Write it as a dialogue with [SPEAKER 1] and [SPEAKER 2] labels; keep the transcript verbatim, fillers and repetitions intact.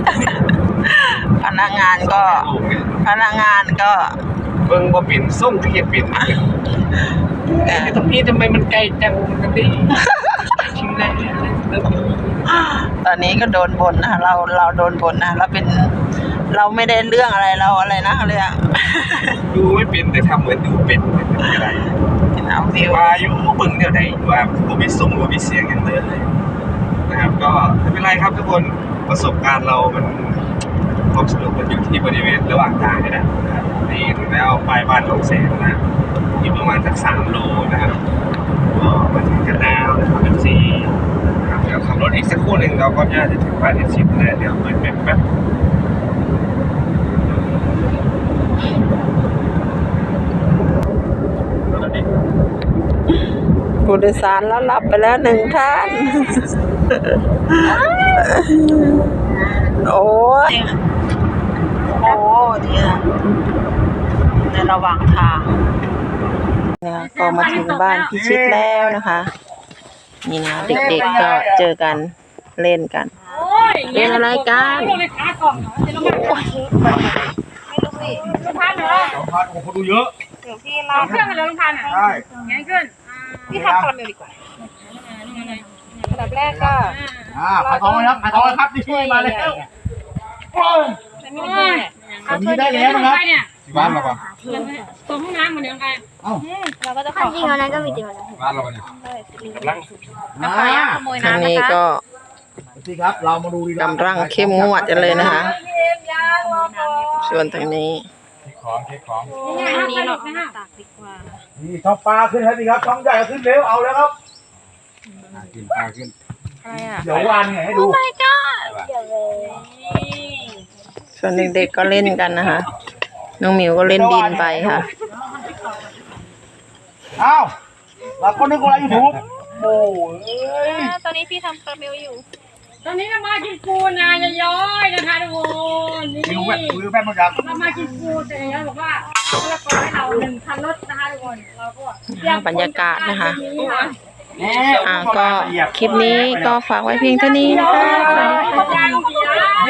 [SPEAKER 1] พนักงานก็พนักงานก็
[SPEAKER 2] เบิ่งว่าเป็นส่งที่เป็นแต่ตรงนี้ทำไมมันไกลจังกันดิชิงได้
[SPEAKER 1] ตอนนี้ก็โดนบ่นนะเราเราโดนบ่นนะเราเป็นเราไม่ได้เรื่องอะไรเราอะไรนะเขาเรียก
[SPEAKER 2] ดูไม่เป็นแต่ทำเหมือนดูเป็นอะไร
[SPEAKER 1] เป็นเอาวิว
[SPEAKER 2] ว่าอยู่เบิ่งเดี๋ยวไหนว่าผมมีส่งว่ามีเสียงกันเลยนะครับก็ไม่เป็นไรครับทุกคนประสบการณ์เรามันความสนุกมันอยู่ที่บริเวณระหว่างทางนี่แหละนี่ถึงแล้วปลายบ้านของแสนนะอยู่ประมาณสักสามโลนะครับก็มาถึงกันแล้วนะครับเป็นสี่ครับเดี๋ยวขับรถอีกสักครู่หนึ่งเราก็น่าจะถึงบ้านเอ็นชิปแล้วเดี๋ยวเปิดแมปแป๊บ
[SPEAKER 1] ผู้โดยสารแล้วรับไปแล้วหนึ่งท่านโอ้ยโอ้เนี่ยในระหว่างทางเนี่ยก็มาถึงบ้านพิชิตแล้วนะคะนี่นะเด็กๆก็เจอกันเล่นกันเล่นอะไรกัน
[SPEAKER 3] ไม่รู้สิลุงพันเหรอ
[SPEAKER 2] ลุงพันโอ้โหดูเยอะ
[SPEAKER 3] เดี๋ยวพี่เราเครื่องกันเลยลุงพันอ่ะใช่งั้นขึ้นพี่ทำคาราเมลดีกว่าระดับแรกก็
[SPEAKER 2] อ่าขายทองครับขายทองครับนี่มาแล้วโอ้ยแบบนี้ได้แล้วนะครับที่บ้านเราปะ
[SPEAKER 3] ตรงห้องน้ำเหมือนเดิมกัน
[SPEAKER 2] เอ้า
[SPEAKER 3] เราก็จะขอ
[SPEAKER 4] จริงๆแล้วก็มีจริงแล้ว
[SPEAKER 2] บ้านเราเนี่ยกำลัง
[SPEAKER 3] ขโมย
[SPEAKER 1] ทาง
[SPEAKER 3] น้ำ
[SPEAKER 1] นี้ก็
[SPEAKER 2] สิครับเรามาดูดี
[SPEAKER 1] กำลังเข้มงวดกันเลยนะคะส่วนทางนี้
[SPEAKER 2] เช็คของเช็คของ
[SPEAKER 3] อันนี้เราตากดีกว่า
[SPEAKER 2] นี่ช่องปลาขึ้นครับสิครับช่องใหญ่ขึ้นเร็วเอาแล้วครับขึ้นปลาขึ้น
[SPEAKER 3] อะไรอ่ะ
[SPEAKER 2] เดี๋ยววานไงให้ดู
[SPEAKER 3] Oh my god
[SPEAKER 1] ส่วนเด็กๆก็เล่นกันนะคะน้องหมิวก็เล่นดินไปค่ะ
[SPEAKER 2] อ้าวเราก็นึกว่ายูทูบโอ้ย
[SPEAKER 3] ตอนนี้พี่ทำคาราเมลอยู่ตอนนี้เรามากินปูนะย้อยๆนะคะทุกคนนี่
[SPEAKER 2] วิวแบบวิวแบบมันดัง
[SPEAKER 3] เรามากินปูแต่ยังบอกว่าเราขอให้เราหนึ่งพันรถนะคะทุกคนเราก็
[SPEAKER 1] บรรยากาศนะคะอ่าก็คลิปนี้ก็ฝากไว้เพียงเท่านี้นะคะ